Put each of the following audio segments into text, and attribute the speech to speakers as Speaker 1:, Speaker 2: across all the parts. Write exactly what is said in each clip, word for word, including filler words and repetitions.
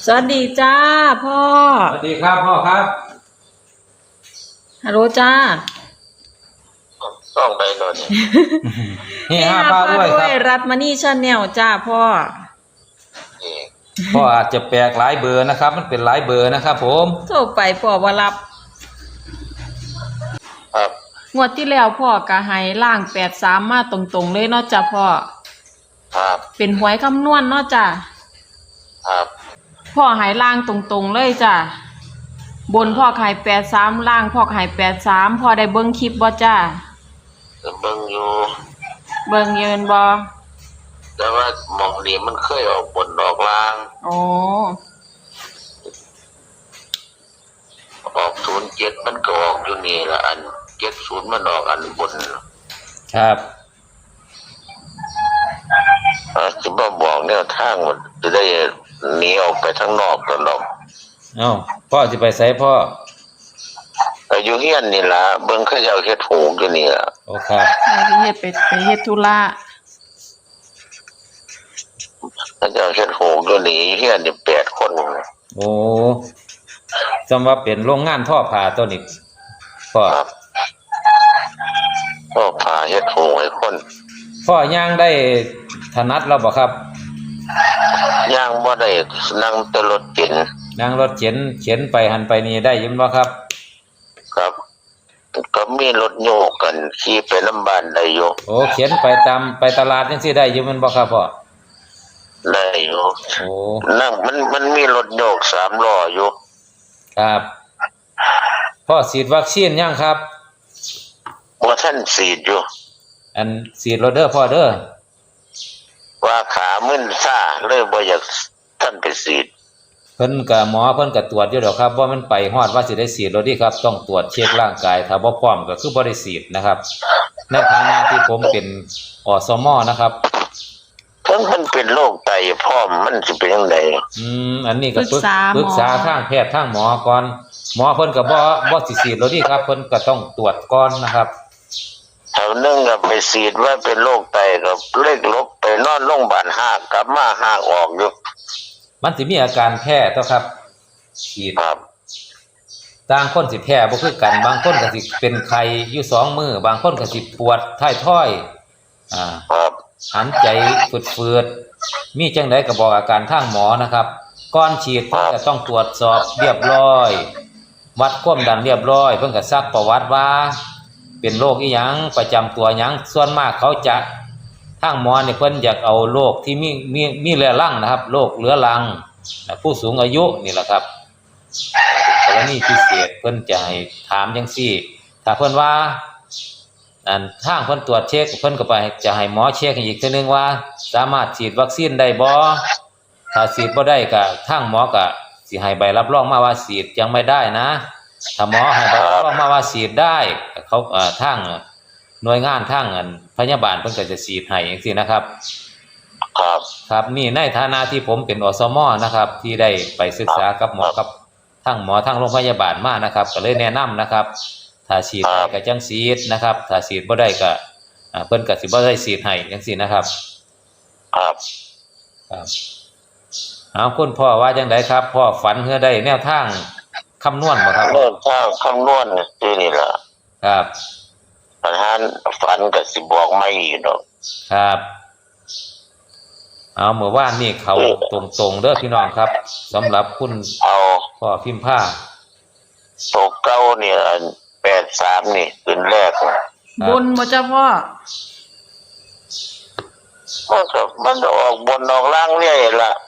Speaker 1: สวัสดีจ้าพ่อ
Speaker 2: สวัสดีครับพ่อครับ
Speaker 1: ฮัลโหลจ้า
Speaker 3: ต้องไปหน่อย
Speaker 2: เฮฮาพาด้วยครับ
Speaker 1: รัฐมณีชาแนลจ้าพ่อ
Speaker 2: พ่ออาจจะแปลกหลายเบอร์นะครับมันเป็นหลายเบอร์นะครับผม
Speaker 1: โทรไปพ่อบ่รับ
Speaker 3: ครับ
Speaker 1: งวดที่แล้วพ่อกะให้ล่างแปดสามมาตรงๆเลยเนาะจ้าพ่อ
Speaker 3: ครับ
Speaker 1: เป็นหวยคำนวณเนาะจ้า
Speaker 3: ครับ
Speaker 1: พ่อให้ล่างตรงๆเลยจ้าบนพ่อให้แปดสามล่างพ่อให้แปดสามพ่อได้เบิ่งคลิปบ่จ้า
Speaker 3: เบิ่งอยู่
Speaker 1: เบิ่งยืนบ่
Speaker 3: แต่ว่าหมองนี้มันเคยออกบนออกล่าง
Speaker 1: โอ้
Speaker 3: ออกศูนย์เจ็ดมันก็ออกอยู่นี่ละอันเจ็ดศูนย์มันออกอันบน
Speaker 2: ครับ
Speaker 3: อ่าจะมาบอกแนวทางมันจะได้หนีออกไปทั้งนอกตลอด
Speaker 2: เอ้าพ่อจะไปไสพ่อ
Speaker 3: ไปอยู่เฮียนนี่ล่ะเบิ่งเขาเจ้าเฮ็ดหูกอยู่นี่ล่ะ
Speaker 2: โอ้ครับ
Speaker 1: ไปเฮ็ดไปไปเฮ็ดธุระ
Speaker 3: เขาเจ้าเฮ็ดหูกอยู่นี่เฮียนนี่แปดคน
Speaker 2: โอ้จำว่าเป็นโรงงานท่อผ้าตัวนี้พ่อ
Speaker 3: ครับก็พาเฮ็ดหูให้คน
Speaker 2: พ่อย่างได้ถนัดแล้วบ่ครับ
Speaker 3: ย่างบ่ได้นั่งแต่รถเก๋ง
Speaker 2: นั่งรถเข็นเข็นไปหันไปนี่ได้ยินบ่ครับ
Speaker 3: ครับก็มีรถโยกกันขี่ไปน้ำบ้านได้อยู่
Speaker 2: โอ้เข็นไปตามไปตลาดจังซี่ได้อยู่มันบ่ครับพ่อ
Speaker 3: ได้อยู่
Speaker 2: โอ้
Speaker 3: นั่งมันมันมีรถโยกสามล้ออยู่
Speaker 2: ครับพ่อฉีดวัคซีนยังครับ
Speaker 3: ว่าท่านฉีดอยู่
Speaker 2: อันฉีดโรเดอร์พ่อเด้อ
Speaker 3: ว่าขามึนซ่าเลยบ่อยากท่านไปฉีด
Speaker 2: เพิ่นก็หมอเพิ่นก็ตรวจอยู่ดอกครับว่ามันไปฮอดว่าสิได้ฉีดโดยที่ครับต้องตรวจเช็คร่างกายถ้าบ่พร้อมก็คือบ่ได้ฉีดนะครับในฐานะที่ผมเป็นอสมนะครับ
Speaker 3: เพิ่นมันเป็นโรคไตพร้อมมันสิเป็นจังได๋
Speaker 2: อืมอันนี้ก็ปรึกษาปรึกษาทางแพทย์ทางหมอก่อนหมอเพิ่นก็บ่บ่สิฉีดโดยที่ครับเพิ่นก็ต้องตรวจก่อนนะครับ
Speaker 3: แถวนึงก็ไปฉีดว่าเป็นโรคไตก็เล็กลบไปนอนโรงพยาบาลหากกลับมาหากออกอยู่
Speaker 2: มันสิมีอาการแพ้ต่อครับฉีด
Speaker 3: ครับ
Speaker 2: ต่างคนสิแพ้บ่คือกันบางคนก็สิเป็นไข้อยู่สองมื้อบางคนก็สิปวดท้ายทอยอ่า
Speaker 3: ครับ
Speaker 2: หันใจฝืดๆมีจังได๋ก็บอกอาการทางหมอนะครับก่อนฉีดเพิ่นก็ต้องตรวจสอบเรียบร้อยวัดความดันเรียบร้อยเพิ่นก็ซักประวัติว่าเป็นโรคอีหยังประจำตัวหยังส่วนมากเขาจะทางหมอนี่เพิ่นอยากเอาโรคที่มีมีมีเรื้อรังนะครับโรคเรื้อรังผู้สูงอายุนี่แหละครับกรณีพิเศษเพิ่นจะให้ถามจังซี่ถ้าเพิ่นว่าอันทางเพิ่นตรวจเช็คเพิ่นก็ไปจะให้หมอเช็คอีกเทื่อนึงว่าสามารถฉีดวัคซีนได้บ่ถ้าฉีดบ่ได้ก็ทางหมอก็สิให้ใบรับรองมาว่าฉีดยังไม่ได้นะถ้าหมอให้ใบรับรองมาว่าฉีดได้เขาเอ่อทางหน่วยงานทางอันพยาบาลเพิ่นก็จะฉีดให้จังซี่นะครับ
Speaker 3: ครับ
Speaker 2: ครับนี่ในฐานะที่ผมเป็นอสมนะครับที่ได้ไปศึกษากับหมอกับทางหมอทางโรงพยาบาลมานะครับก็เลยแนะนำนะครับถ้าฉีดได้ก็จังฉีดนะครับถ้าฉีดบ่ได้ก็อ่าเพิ่นก็สิบ่ได้ฉีดให้จังซี่นะครับ
Speaker 3: ครับ
Speaker 2: ครับเอาคุณพ่อว่าจังไดครับพ่อฝันเฮือได้แนวทางคำนวณบ่ครับ
Speaker 3: แนวทางคำนวณนี่นี่ล่ะ
Speaker 2: ครับ
Speaker 3: ประธานฝันก็สิบอกไม่อีกดอก
Speaker 2: ครับเอาเมื่อวานนี่เขาตรงๆเด้อพี่น้องครับสำหรับคุณ
Speaker 3: เอา
Speaker 2: พ่อพิมพ์ผ้า
Speaker 3: ตกเก้าเนี่ยแปดสามนี่ขึ้นแรก
Speaker 1: บนบ่จ้าพ่อ
Speaker 3: มันก็มันออกบนออกล่างเรื่อยล่ะ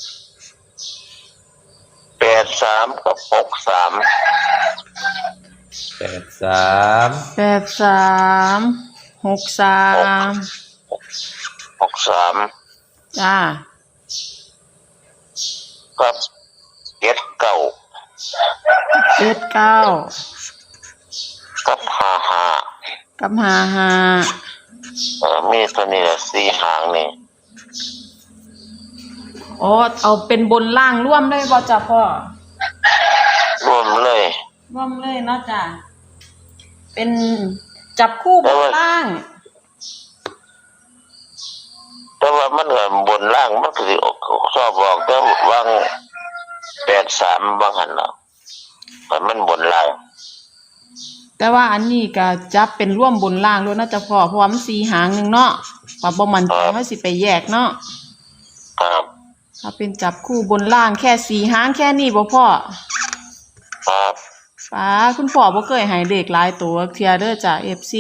Speaker 3: แปดสามกับหกสาม
Speaker 2: แปดสาม
Speaker 1: แปดสามหกสาม
Speaker 3: หกสาม
Speaker 1: จ้า
Speaker 3: ครับเจ็ดเก้า
Speaker 1: เจ็ดเก้า
Speaker 3: กับห้าห้า
Speaker 1: กับห้าห้า
Speaker 3: เออมีตัวนี้ละสี่หางนี่
Speaker 1: อ๋อเอาเป็นบนล่างร่วมเลยบ่จ้าพ่อ
Speaker 3: รวมเลย
Speaker 1: ร่วมเลยเนาะจ้าเป็นจับคู่บนล่าง
Speaker 3: แต่ว่ามันก็บนล่างมันก็สิชอบบอกแต่วางดสามบางหันละแต่มันบนล่าง
Speaker 1: แต่ว่าอันนี้ก็จับเป็นร่วมบนล่างด้วยนะจ๊ะพ่อเพราะว่ามันสี่หางหนึงเนาะปรับบ่มันใจเฮาสิไปแยกเนาะ
Speaker 3: ครับ
Speaker 1: ถ้าเป็นจับคู่บนล่างแค่สี่หางแค่นี้บ่พ่อ
Speaker 3: ครับ
Speaker 1: ป้าคุณพ่อบ่เคยให้เลขหลายตัวเที่ยเด้อจ้ะ เอฟ ซี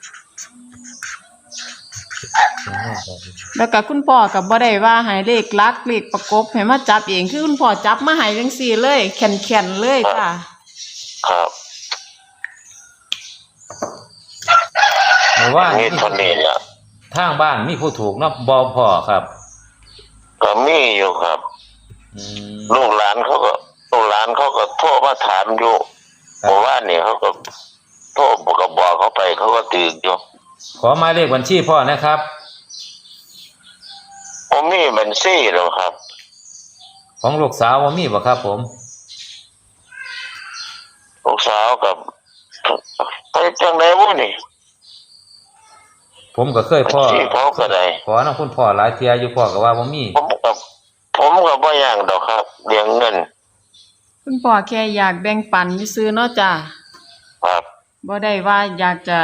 Speaker 1: แล้วก็คุณพ่อก็บ่ได้ว่าให้เลขลักเลขประกบให้มาจับเองคือคุณพ่อจับมาให้จังซี่เลยแข็งๆเลยจ้ะ
Speaker 3: ครับ
Speaker 2: หรือว่า
Speaker 3: นี่เท่านี้เนี่ย
Speaker 2: ทางบ้านมีผู้ถูกเนาะบ่พ่อครับ
Speaker 3: ก็มีอยู่ครับ
Speaker 2: อืม
Speaker 3: ลูกหลานเขาก็ลูกหลานเขาก็โทรมาถามอยู่
Speaker 2: ครับ
Speaker 3: เพราะว่านี่เขาก็โทรก็บอกเขาไปเขาก็ตื่นอยู่
Speaker 2: ขอหมายเลขบัญชีพ่อนะครับ
Speaker 3: ผมมีบัญชีแล้วครับ
Speaker 2: ของลูกสาวบ่มีบ่ครับผม
Speaker 3: ลูกสาวกับไปจังไดวะนี่
Speaker 2: ผมก็เคยพ่อ
Speaker 3: บัญชีเขาก็ได้
Speaker 2: ขอนำคุณพ่อหลายเที่ยอยู่พ่อก็ว่าบ่มี
Speaker 3: ผมกับผมกับบ่ย่างดอกครับเลี้ยงเงิน
Speaker 1: คุณพ่อแค่อยากแบ่งปันซื่อๆเนาะจ้ะ
Speaker 3: ครับ
Speaker 1: บ่ได้ว่าอยากจะ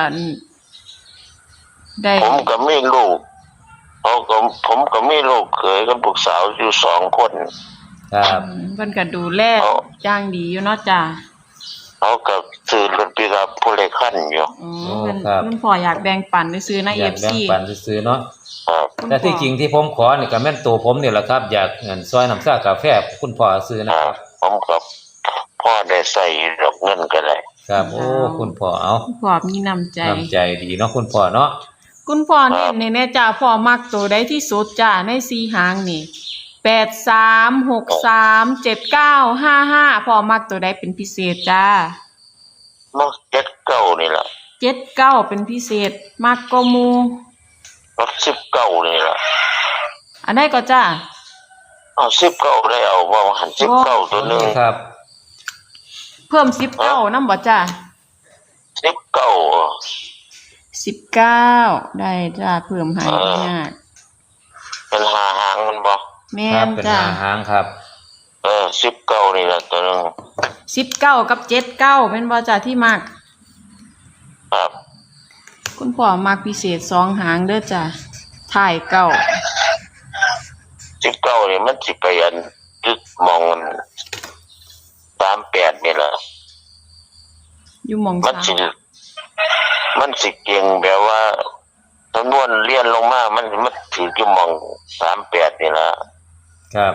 Speaker 1: ได้
Speaker 3: ผมก็มีลูกเขาก็ผมก็มีลูกเขยกับลูกสาวอยู่สองคน
Speaker 2: ครับ
Speaker 1: อืมเพิ่นก็ดูแลอย่างดีอยู่เนาะจ้ะ
Speaker 3: เขาก็ซื้อรถปิกอัพผู้เล็กขั้นอยู่
Speaker 1: อืมเพิ่นคุณพ่ออยากแบ่งปันซื่อๆนะ
Speaker 2: อ
Speaker 1: เอย
Speaker 2: าก
Speaker 1: ฟ
Speaker 2: แบ่ง
Speaker 1: ซี
Speaker 2: ปันซื้อๆเนาะ
Speaker 3: ครับ
Speaker 2: แต่ที่จริงที่ผมขอนี่ก็แม่นตัวผมนี่แหละครับ อยากเงินซอยน้ำซ่ากาแฟคุณพ่อซื้อ
Speaker 3: ค
Speaker 2: นะ
Speaker 3: รั
Speaker 2: ครับ บ
Speaker 3: ผมกับพ่อได้ใส่ดอกเงินก็ได้
Speaker 2: ครับโอ้คุณพ่อเอา
Speaker 1: คุณพ่อมีน้ำใจ
Speaker 2: น้ำใจดีเนาะคุณพ่อเนาะ
Speaker 1: คุณพ่อนี่ในแน่จ้าพ่อมักตัวใดที่สุดจ้าในสี่หางนี่แปดสามหกสามเจ็ดเก้าห้าห้าพ่อมักตัวใดเป็นพิเศษจ้า
Speaker 3: มักเจ็ดเก้านี่แหละ
Speaker 1: เจ็ดเก้าเป็นพิเศษมักก็มู
Speaker 3: มักสิบเก้านี่แหละ
Speaker 1: อันไหนก็จ้า
Speaker 3: เอาสิบเก้าได้เอาว่าหันสิบเก้าตัวหนึ่ง
Speaker 2: ครับ
Speaker 1: เพิ่มสิบเก้าน้ำบ่จ้า
Speaker 3: สิบเก้า
Speaker 1: สิบเก้าได้จ้าเพิ่มให้ยาก
Speaker 3: เป็นหาหางมันบ่
Speaker 1: แม่
Speaker 2: ครับ
Speaker 1: น
Speaker 2: เป็น
Speaker 1: จ้า
Speaker 2: หาหางครับ
Speaker 3: เออสิบเก้านี่แหละตัวหนึ่ง
Speaker 1: สิบเก้ากับเจ็ดเก้าเป็นบ่จ้าที่มัก
Speaker 3: ครับ
Speaker 1: คุณพ่อมักพิเศษสองหางเด้อจ้าถ่ายเก้า
Speaker 3: สิบเก้านี่มันสิไปอันยึดมองมันสามแปดนี่แหละ
Speaker 1: อยู่หมอง
Speaker 3: มัน
Speaker 1: สาม
Speaker 3: สิมันสิเก่งแบบว่าจำนวนเรียนลงมา มันมันถืออยู่มองสามแปดนี่ละ
Speaker 2: ครับ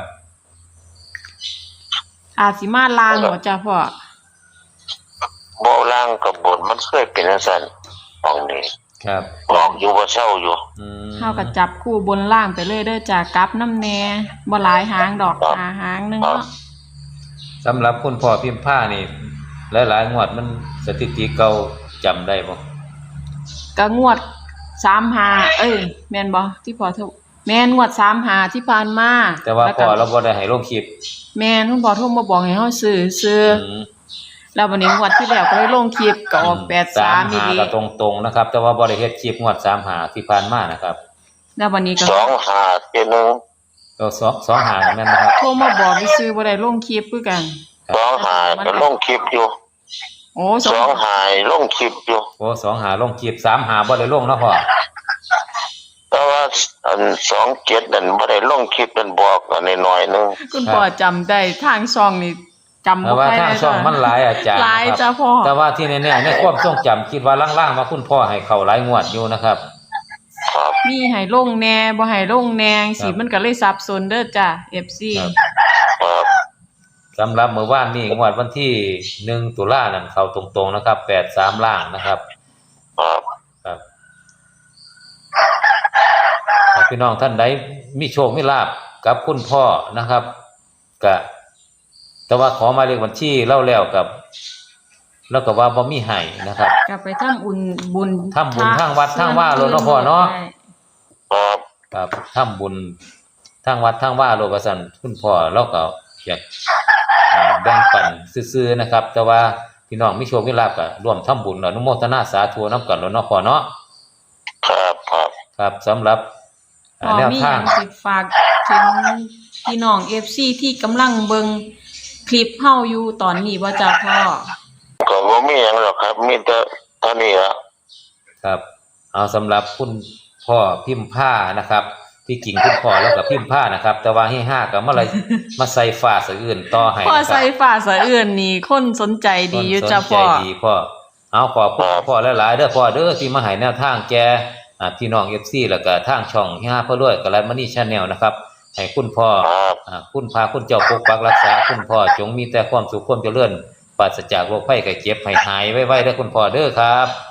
Speaker 1: อาจสิมาลางบ่จ้าพ่อ
Speaker 3: โบล่างกับบนมันเคยเป็นสันมองนี้
Speaker 2: ครับ
Speaker 3: บอกอยู่ว่าเช่าอยู่
Speaker 2: อืม
Speaker 1: เฮาก็จับคู่บนล่างไปเลยเด้อจ้ากลับน้ำแหน่บ่หลายหางดอก
Speaker 3: ครับ
Speaker 1: หาหางหนึงเนาะ
Speaker 2: สำหรับคุณพ่อพิมพ์ผ้านี่หลายๆงวดมันสถิติเก่าจำได้บ่
Speaker 1: ก็งวดสามหาเอ้ยแม่นบ่ที่พ่อถูกแม่นงวดสามหาที่ผ่านมา
Speaker 2: แต่ว่า
Speaker 1: ล้
Speaker 2: พ่
Speaker 1: ก็
Speaker 2: อเราบ่ได้ให้ลงคลิป
Speaker 1: แม่นคุณพ่อโทรมาบอกให้เฮาซื้อซื้อ
Speaker 2: อืม
Speaker 1: แล้ววันนี้งวดที่แล้วก็เลยลงคลิปก็ออกแปดสามอี
Speaker 2: หา
Speaker 1: หลี
Speaker 2: ก็ตรงๆนะครับ แต่ว่าบ่ได้เฮ็ดคลิปงวดสามหาที่ผ่านมานะครับ
Speaker 1: แล้ววันนี้ก็
Speaker 3: สองหาเจดหนึ่ง
Speaker 2: ก็สองสองหาแม่นนะครับ
Speaker 1: โทรมาบอกให้ซื้อบ่ได้ลงคลิปคือกัน
Speaker 3: สองหาก็ลงคลิปอยู่
Speaker 1: โอ้ส
Speaker 3: ส
Speaker 1: อ
Speaker 3: อง งหายลงคลิปอยู่
Speaker 2: โอ้สองหาลงคลิปสามหาบ่ได้ลงเนาะพ่อ
Speaker 3: แต่ว่าอันสองเจ็ดนั่นไม่ได้ลงคลิปเป็นบอกอันนี้หน่อยนึง
Speaker 1: คุณพ่อจำได้ทางช่องนี่จำ
Speaker 2: แต่
Speaker 1: บ่
Speaker 2: ว่า
Speaker 1: ค่อย
Speaker 2: ทาง
Speaker 1: ได้
Speaker 2: ช่องมันหลายอาจารย์
Speaker 1: หลาย
Speaker 2: นะค
Speaker 1: จ้า
Speaker 2: รับ
Speaker 1: พ่อ
Speaker 2: แต่ว่าที่แน่ๆในความทรงจำคิดว่าล่างๆมาคุณพ่อให้เข้าหลายงวดอยู่นะครับ
Speaker 3: ครับ
Speaker 1: มีให้ลงแหน่บ่ให้ลงแหน่สิ
Speaker 2: ครับ
Speaker 1: มันก็เลยสับสนเด้อจ้ะ เอฟ ซี
Speaker 2: ครับ
Speaker 3: ครับ
Speaker 2: สำหรับเมื่อวานนี้งวดวันที่หนึ่งตุลานั่นเข้าตรงๆนะครับแปดสามล่างนะครับ
Speaker 3: ครับ
Speaker 2: ครับถ้าพี่น้องท่านใดมีโชคมีลาภกับคุณพ่อนะครับก็แต่ว่าขอหมายเลขบัญชีเล่าแล้วกับ แล้วก็ว่าบ่มีให้นะครับ
Speaker 1: กลับไปทำบุญบุญ
Speaker 2: ทำบุญทางวัดทางว่าโลดเนาะพ่อเนาะ
Speaker 1: ใช่
Speaker 3: ครับ
Speaker 2: ครับทำบุญทางวัดทางว่าโลกสันคุณพ่อเราก็อยากอ่าแบ่งปันซื่อๆนะครับ แต่ว่าพี่น้องมีโชคมีลาภก็ร่วมทำบุญอนุโมทนาสาธุนํกันแล้วเนาะพ่อเนาะ
Speaker 3: ครับครับ
Speaker 2: ครับสำหรับ
Speaker 1: พ
Speaker 2: อ่า
Speaker 1: อ
Speaker 2: แนว
Speaker 1: มีห
Speaker 2: ทา
Speaker 1: ยัง งสิฝากถึงพี่น้อง เอฟ ซี ที่กำลังเบิ่งคลิปเฮาอยู่ตอนนี้บ่จ้าพ่อ
Speaker 3: ก็บ่มีหยังหรอกครับ มีแต่เท่านี้ละ
Speaker 2: ครับ เอาสำหรับคุณพ่อพิมพ์ผ้านะครับ ที่จริงคุณพ่อแล้วกับพิมพ์ผ้านะครับ แต่ว่าให้ห้ากับเมื่อไรมาใส่ฟ้าสะอื่นต่อให้
Speaker 1: พ่อ
Speaker 2: นะครับ
Speaker 1: ใส่ฝ่าสะเอื่นนี่คนสนใจดีอยู่จ้าพ่อ
Speaker 2: คนสนใจดีพ่อเอาขอบคุณพ่อหลายๆเด้อพ่อเด้อที่มาให้แนวทางแกอ่าพี่น้อง เอฟ ซี แล้วก็ทางช่องห้าพ่อรวยกับรัฐมณี Channel นะครับให้คุณพ่อ
Speaker 3: ครับ
Speaker 2: อ่าคุณพาคุณเจ้าปกปักรักษาคุณพ่อจงมีแต่ความสุขความเจริญปราศจากโรคภัยไข้เจ็บให้หายไวๆเด้อคุณพ่อเด้อครับ